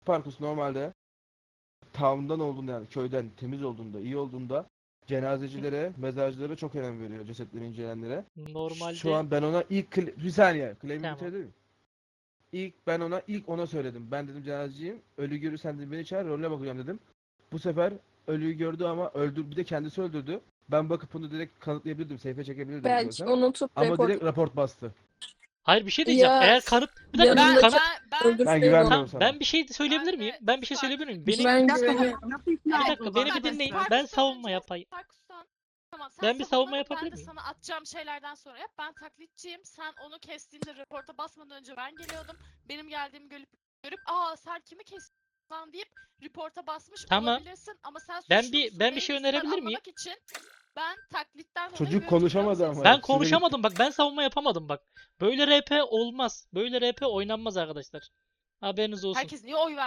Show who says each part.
Speaker 1: Parkus normalde town'dan olduğunda, yani köyden temiz olduğunda, iyi olduğunda cenazecilere, mezarcılara çok önem veriyor, cesetleri inceleyenlere.
Speaker 2: Normalde
Speaker 1: Şu an ben ona bir saniye claim'i
Speaker 2: Tamam.
Speaker 1: bitirebilir miyim? İlk ona söyledim. Ben dedim cenazeciyim. Ölü görürsen de beni çağır, rolüne bakacağım dedim. Bu sefer ölüyü gördü ama bir de kendisi öldürdü. Ben bakıp bunu direkt kanıtlayabilirdim. Seyfe çekebilirdim
Speaker 3: Belki
Speaker 1: istiyorsan.
Speaker 3: unutup
Speaker 1: Ama
Speaker 3: report
Speaker 1: direkt raport bastı.
Speaker 2: hayır bir şey diyeceğim.
Speaker 3: Ya,
Speaker 2: Eğer kanıt bir dakika
Speaker 3: yanındaki-
Speaker 2: kanıt
Speaker 4: Ben
Speaker 3: öldürseydi
Speaker 1: Ben
Speaker 3: onu.
Speaker 1: güvenmiyorum
Speaker 2: tamam
Speaker 1: sana.
Speaker 2: ben bir şey söyleyebilir
Speaker 4: Ben de
Speaker 2: miyim? Ben bir şey
Speaker 4: bak,
Speaker 2: söyleyebilir miyim? Beni
Speaker 3: Ben
Speaker 4: Bir dakika,
Speaker 3: güveniyorum.
Speaker 4: nasıl
Speaker 2: Bir
Speaker 4: ikna
Speaker 2: dakika,
Speaker 4: oldun?
Speaker 2: beni bir
Speaker 4: Arkadaşlar,
Speaker 2: dinleyin.
Speaker 4: Parkus'tan
Speaker 2: Ben savunma
Speaker 4: önce-
Speaker 2: yapayım.
Speaker 4: Parkus'tan- Tamam, sen
Speaker 2: Ben bir savunma
Speaker 4: savunmanı,
Speaker 2: yapabilir
Speaker 4: ben de
Speaker 2: miyim?
Speaker 4: sana atacağım şeylerden sonra yap. Ben taklitçiyim. Sen onu kestiğinde reporta basmadan önce ben geliyordum. Benim geldiğimi görüp sen kimi kestin lan deyip reporta basmış
Speaker 2: Tamam.
Speaker 4: olabilirsin. Ama sen
Speaker 2: Ben
Speaker 4: suçlu
Speaker 2: bir-
Speaker 4: musun,
Speaker 2: ben bir
Speaker 4: değil
Speaker 2: şey
Speaker 4: misin
Speaker 2: önerebilir miyim?
Speaker 4: anlamak için ben taklitten dolayı
Speaker 1: Çocuk
Speaker 4: böyle
Speaker 1: konuşamadı
Speaker 4: tutuyorum
Speaker 1: ama.
Speaker 4: seni.
Speaker 2: Ben
Speaker 1: Süre
Speaker 2: konuşamadım bak, ben savunma yapamadım bak. Böyle RP olmaz. Böyle RP oynanmaz arkadaşlar. Haberiniz olsun.
Speaker 4: Herkes niye oy ver?